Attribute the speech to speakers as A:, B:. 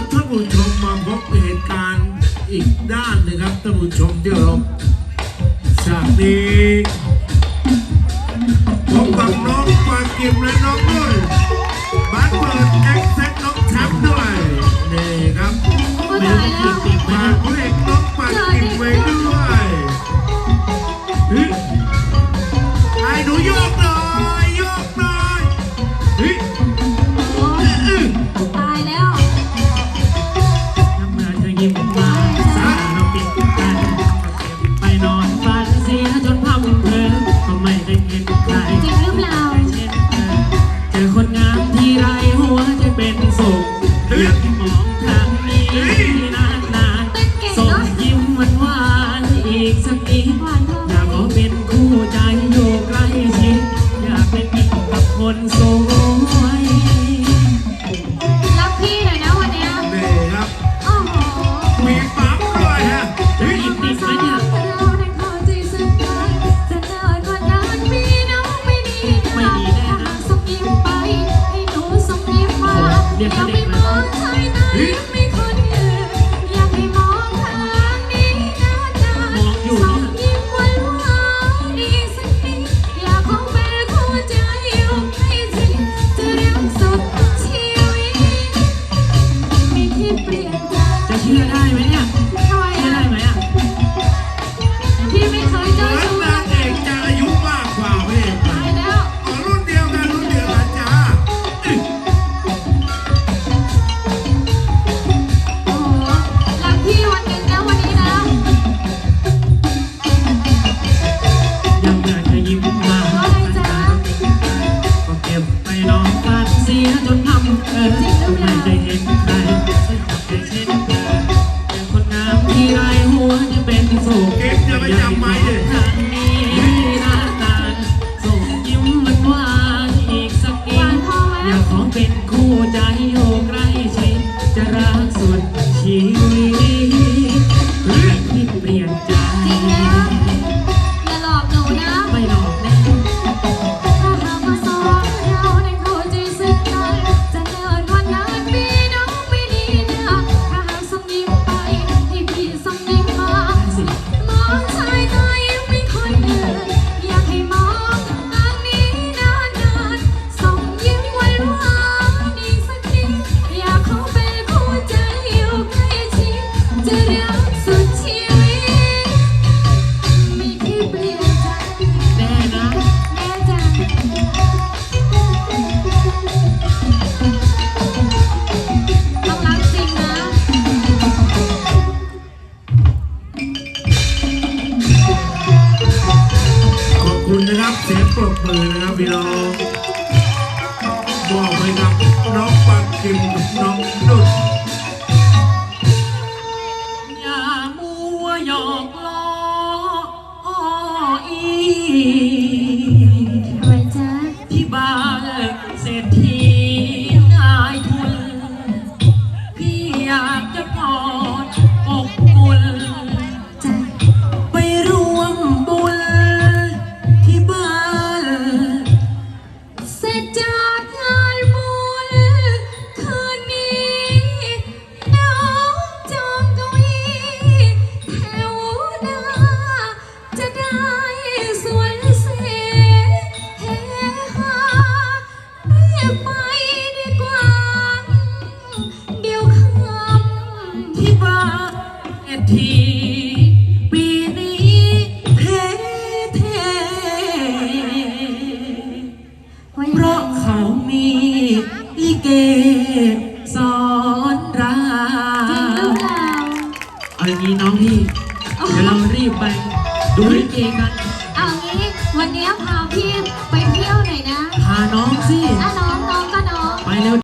A: ท่านผู้ชมมาพบเหตุการณ์อีกด้านหนึ่งครับท่านผู้ชมที่เคารพฉากนี้พบกับน้องปากิมและน้องนุ่นบ้านเปิดเอ็กเซ็ตน้องแชมป์ด้วยนี่ครับมาเพลงน้องปากิมไว้ด้วยไอ้หนูโยกหน่อยโยกหน่อย
B: ตายแล้ว
C: ทำเมื่อเธอยิ้มมาสาเราปิดกันไปนอนฝันเสียจนพังเพลินก็ไม่ได้เห็นใคร
B: จริงหรือเปล่า
C: เช่นเจอคนงามทีไรหัวใจเป็นสุขอยากมองทางนี้นานๆส่งยิ้มหวานๆอีกสักนิดอยากขอเป็นคู่ใจอยู่ใกล้ชิดอยากเป็นอีกกับคนสวย
B: รักพี่หน่อยนะวันเนี้ย
A: นี่ครับ
B: โอ้โห
A: มีปั๊มด้วยฮะ
C: อีกนิดไหมเนี่ย
B: เราได้เข้าใจซึ่งกันจะเดินกว่านั้นมีน้องไม่ดีนะถ้าหากส่งยิ้มไปให้หนูส่งยิ้มมาอย่าไปมองใครนะไม่คนอื่นอยากให้มองทางนี้นะจ๊ะส่งยิ้มหวานๆอีกสักนิดอยากขอเป็นคู่ใจอยู่ใกล้ชิดจะรักสุดชีวิตไม่คิดเปลี่ยนใจ
C: จะเชื่อได้ไหมเนี่ย
B: ทำไม
C: เชื่อ
B: อ่ะ
C: ได้ไหมอ่ะ
B: พี่ไม่เคยเจอ
A: เหมือน
B: ชู้
A: นางเอกจะอายุมากกว่าพระเอก
B: ตายแล้ว
A: รุ่นเดียวกันจ้า
B: โอ้โหรักพี่วันหนึ่งนะวันนี้นะ
C: ยังเมื่อเธอยิ้มมาก็เก็บไปนอนฝันเสียจนทำไม่ได้เห็นใครไม่เช่นเธอเป็นคนงามที่ไรหัวจะเป็นสุข
A: เก็บอย่าไปจำไม้เลย
C: ทางนี้นานๆส่งยิ้มหวานๆอีกสักนิดอยากขอเป็นคู่ใจอยู่ใกล้ชิดจะรักสุดชีวิตที่เปลี่ยนใจ
B: จริงนะอย่าหลอกหนูนะ
C: ไม่หลอกแน่
B: ถ้าหากว่าสองเราได้เข้าใจซึ่งกันจะเดินวันนั้นมีน้องไม่ดีนะถ้าหากส่งยิ้มไปให้พี่ส่งยิ้มมามองสายตายิ้มไม่คนอื่นอยากให้มองทางนี้นานๆส่งยิ้มหวานๆอีกสักนิดอยากขอเป็นคู่ใจอยู่ใกล้ชิดจะรักสุดชีวิตไม่คิดเปลี่ยนใจ
C: แน่นะ
B: แม่จ๋าต้องรักจริงนะ
A: ขอบคุณนะครับเสียงปรบมือนะครับพี่น้องบอกไปกับน้องปากิมกับน้องนุ่น
C: อย่ามัวหยอกล้ออ้ออี
B: ทำไมจ๊ะ
C: ที่บ้านเศรษฐีนายทุนพี่อยากจะกอดอกอุ่น
B: จ๊ะ
C: ไปร่วมบุญที่บ้าน
B: เสร็จจากงานบุญคืนนี้น้องจองเก้าอี้แถวหน้าจะได้สวยเสเฮฮาเรียกไปดีกว่า เดี๋ยวค่ำ
C: ที่บ้านเศรษฐีปีนี้เท่เท่
B: ว่า
C: เพ
B: ยังไง
C: ราะเขามีลิเกสอนรา
B: จริงหรือเปล่า
C: เอาอย่างนี้น้องพี่ เดี๋ยวเรารีบไปดูลิเกกัน
B: เอางี้วันนี้พาพี่ไปเที่ยวหน่อยนะ
C: พาน้องสิ
B: น้องก็น้อง
C: ไปเร็ว